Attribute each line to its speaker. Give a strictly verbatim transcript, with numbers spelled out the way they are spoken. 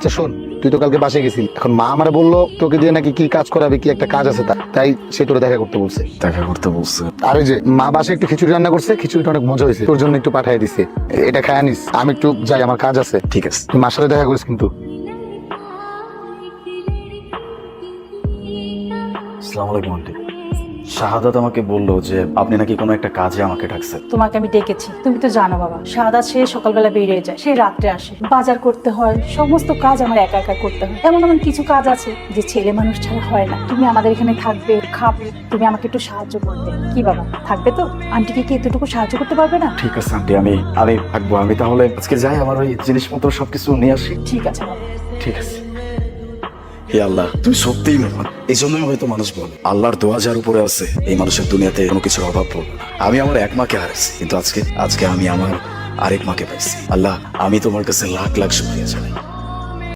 Speaker 1: আচ্ছা শোন, তুই তো কালকে বাসায় গেছিলি, এখন মা আমারে বললো তোকে দিয়ে নাকি কি কাজ করাবে, কি একটা কাজ আছে, তা তাই সে তোরে দেখা করতে বলছে।
Speaker 2: দেখা করতে বলছে?
Speaker 1: আর ওই যে মা বাসায় একটু খিচুড়ি রান্না করছে, খিচুড়িটা অনেক মজা হয়েছে, তোর জন্য একটু পাঠিয়ে দিছে, এটা খায় নিস। আমি একটু যাই, আমার কাজ আছে।
Speaker 2: ঠিক আছে।
Speaker 1: তুই মার সাথে দেখা করিস কিন্তু।
Speaker 2: আসসালামু আলাইকুম আন্টি। শাহাদাত আমাকে বললো যে আপনি নাকি কোনো একটা কাজে আমাকে ডাকছেন।
Speaker 3: তোমাকে আমি ডেকেছি, তুমি তো জানো বাবা, সাদা সে সকালবেলা বেরিয়ে যায়, সেই রাত্রে আসে, বাজার করতে হয়, সমস্ত কাজ আমার একা একা করতে হয়। এমন এমন কিছু কাজ আছে যে ছেলে মানুষ ছাড়া হয় না। তুমি আমাদের এখানে থাকবে, খাবে, তুমি আমাকে একটু সাহায্য করবে, কি বাবা? থাকবে তো? আন্টিকে কি এতটুকু সাহায্য করতে পারবে না?
Speaker 2: ঠিক আছে আন্টি, আমি আমি থাকবো। আমি তাহলে আজকে যাই, আমার ওই জিনিসপত্র সবকিছু নিয়ে আসি।
Speaker 3: ঠিক আছে বাবা।
Speaker 2: ঠিক আছে। হে আল্লাহ, তুমি সত্যিই মহান। এই জন্যই হয়তো মানুষ বলে আল্লাহর দোয়া যার উপরে আছে, এই মানুষের দুনিয়াতে কোনো কিছুর অভাব পড়বে না। আমি আমার এক মাকে হারাইছি, কিন্তু আজকে আজকে আমি আমার আরেক মাকে পাইছি। আল্লাহ, আমি তোমার কাছে লাখ লাখ শুকরিয়া জানাই।